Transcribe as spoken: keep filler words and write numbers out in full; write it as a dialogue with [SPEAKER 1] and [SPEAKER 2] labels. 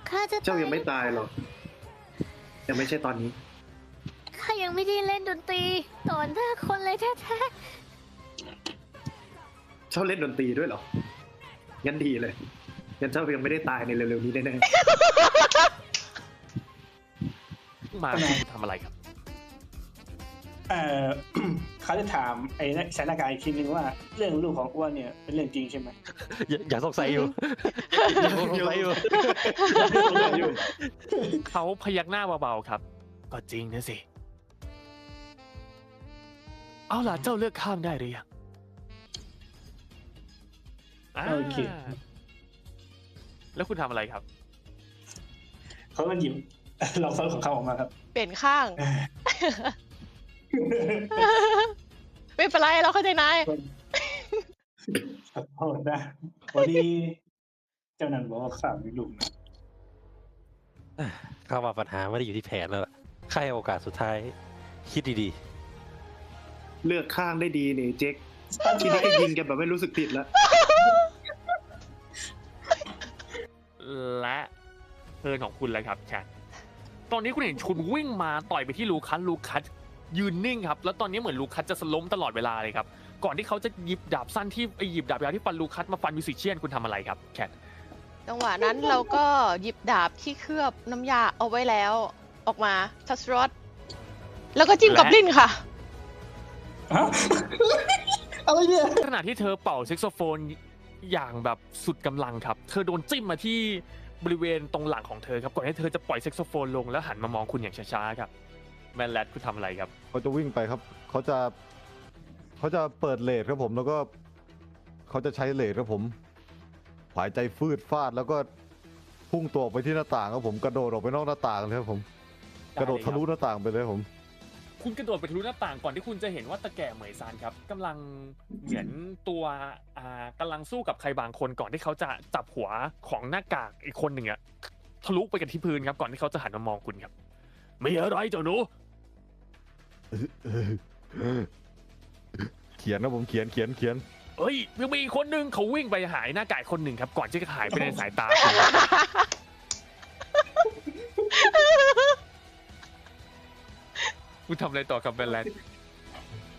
[SPEAKER 1] ข้าจะ
[SPEAKER 2] เจ้ายังไม่ตายหรอกยังไม่ใช่ตอนนี้
[SPEAKER 1] ข้ายังไม่ได้เล่นดนตรีต่อหน้าคนเลยแท้
[SPEAKER 2] เจ้าเล่นดนตรีด้วยเหรองั้นดีเลยงั้นเจ้ายังไม่ได้ตายในเร็วๆนี้แน่
[SPEAKER 3] มาทำอะไรครับ
[SPEAKER 4] เอ่อ เขาจะถามไอ้สถานการณ์อีกทีนึงว่าเรื่องลูกของอ้วนเนี่ยเป็นเรื่องจริงใช่ไหม
[SPEAKER 5] อย่าอย่าสงสัยอยู่อย่าสงสัยอยู่
[SPEAKER 2] อยู่
[SPEAKER 3] เขาพยักหน้าเบาๆครับ ก็จริงนะสิ เอาล่ะเจ้าเลือกข้ามได้หรือยังอ่า
[SPEAKER 4] โอเค
[SPEAKER 3] แล้วคุณทำอะไรครับ
[SPEAKER 4] เขาก็หยิบ ลองซ้อนของเขาออกมาครับ
[SPEAKER 6] เปลี่ยนข้าง ไม่เป็นไรเราเข้าใจนาย
[SPEAKER 4] ขอโทษนะวันนี้เจ้านันบอกว่าข้ามีลูกนะ
[SPEAKER 5] เข้ามาปัญหาไม่ได้อยู่ที่แผนแล้วล่ะใครโอกาสสุดท้าย คิดดี
[SPEAKER 2] เลือกข้างได้ดีนี่เจ๊กทีนี้ก็ยิงกันแบบไม่รู้สึกผิดแล้ว
[SPEAKER 3] และเทิร์นของคุณแล้วครับแชทตอนนี้คุณเห็นชุนวิ่งมาต่อยไปที่ลูคัสลูคัสยืนนิ่งครับแล้วตอนนี้เหมือนลูคัสจะสล้มตลอดเวลาเลยครับก่อนที่เขาจะหยิบดาบสั้นที่ไอหยิบดาบยาวที่ฟันลูคัสมาฟันมิวสิเชียนคุณทำอะไรครับแชท
[SPEAKER 6] จังหวะนั้นเราก็หยิบดาบที่เคลือบน้ำยาเอาไว้แล้ว ออกมาทัสรอดแล้วก็จิ้มกับลิ้นค่ะ
[SPEAKER 4] ฮะ อะไรเนี่ย
[SPEAKER 3] ขณะที่เธอเป่าแซกโซโฟนอย่างแบบสุดกำลังครับเธอโดนจิ้มมาที่บริเวณตรงหลังของเธอครับก่อนที่เธอจะปล่อยแซกโซโฟนลงแล้วหันมามองคุณอย่างช้าๆครับแมนแลดคุณทำอะไรครับ
[SPEAKER 7] เขาจะวิ่งไปครับ เขาจะ เขาจะเปิดเลทครับผม แล้วก็เขาจะใช้เลทครับผมหายใจฟืดฟาดแล้วก็พุ่งตัวออกไปที่หน้าต่างครับผม กระโดดออกไปนอกหน้าต่างเลยครับผม กระโดดทะลุหน้าต่างไปเลยครับผม
[SPEAKER 3] คุณกระโดดไปทะลุหน้าต่างก่อนที่คุณจะเห็นว่าตะแก่เหมยซานครับกำลังเหมือนตัวอ่ากำลังสู้กับใครบางคนก่อนที่เขาจะจับหัวของหน้ากากอีกคนหนึ่งอะทะลุไปกันที่พื้นครับก่อนที่เขาจะหันมามองคุณครับไม่อะไรเจ้าหนู
[SPEAKER 7] เขียนครับผม เขียน เขียน เขียน
[SPEAKER 3] เอ้ยยังมีอีกคนหนึ่งเขาวิ่งไปหายหน้ากากคนหนึ่งครับก่อนที่จะหายไปในสายตาคุณคุณทำอะไรต่อกับแบนแลนด์